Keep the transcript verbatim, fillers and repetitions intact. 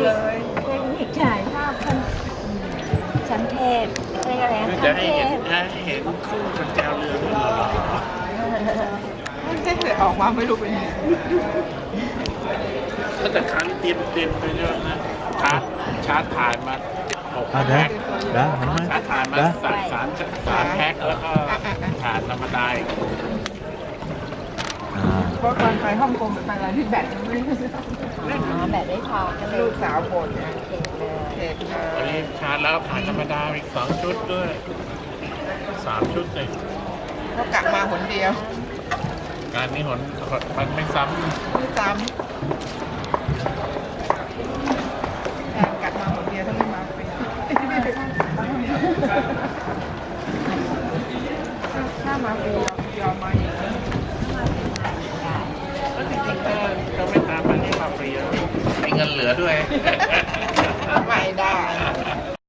ยเทคนิคถ่ายภาพคนชั้นเทพเรียกอะไรคือนะจะชั้นให้เทเห็นพให้เห็นคู่กันแจวเรือด้วยเหรอไม่ใช่เลยออกมาไม่รู้เป็นยังไงก็แต่ครั้งเตรียมเตรียมไปเยอะนะชาร์จชาร์จถ่ายมาหกอ่ะแพ็คได้เห็นไหมชาร์จถ่ายมาได้สามสามสามแพ็คแล้วก็ถ่านธรรมดาอีกอ่าเพราะตอนไปฮ่องกงไปอะไรที่แบตมันไม่ได้อ๋อแบบไม่พอก็เลยลูกสาวบ่นไงเก็บเลยเด็กเลวันยนี้ชาร์จแล้วถ่ายธรรมดาอีกสองชุดด้วยสามชุดเลยเขากลับมาหนเดียวการนี้หนมันไม่ซ้ไม่จำการกลับมาหนเดียวถ้าไม่มาเป็นถ้ามาฟรียอมมาอย่างนี้ำแล้วจริงๆถ้าเราไม่ตามมันนี่มาฟรีแล้วมีเงินเหลือด้วยไม่ได้